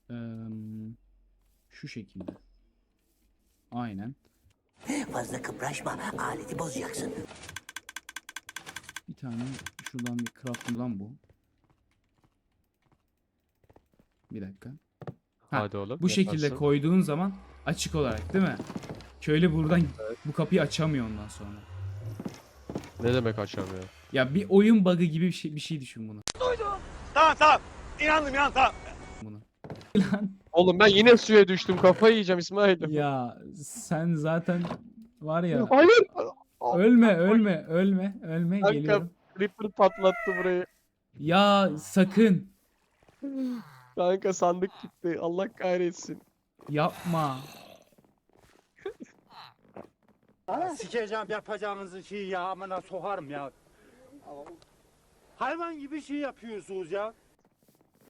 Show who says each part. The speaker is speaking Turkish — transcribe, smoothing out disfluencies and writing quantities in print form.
Speaker 1: Şu şekilde. Aynen.
Speaker 2: Fazla kıpraşma, aleti bozacaksın.
Speaker 1: Bir tane şuradan bir craft lan bu. Bir dakika. Ha,
Speaker 3: Hadi oğlum.
Speaker 1: bu şekilde
Speaker 3: yaparsın.
Speaker 1: koyduğun zaman açık olarak değil mi? Köylü buradan bu kapıyı açamıyor ondan sonra.
Speaker 3: Ne demek açamıyor?
Speaker 1: Ya bir oyun bug'ı gibi bir şey düşün bunu.
Speaker 4: Tamam. İnandım tamam.
Speaker 1: Bunu. Lan
Speaker 3: Oğlum ben yine suya düştüm. Kafayı yiyeceğim İsmail'im.
Speaker 1: ya sen zaten var ya,
Speaker 3: Hayır.
Speaker 1: ölme
Speaker 3: Kanka
Speaker 1: geliyorum.
Speaker 3: Creeper patlattı burayı.
Speaker 1: Ya sakın
Speaker 3: Kanka sandık gitti. Allah kahretsin.
Speaker 1: yapma.
Speaker 4: Sikeceğim yapacağınızı şeyi ya amına sokarım ya. Hayvan gibi şey yapıyorsunuz ya.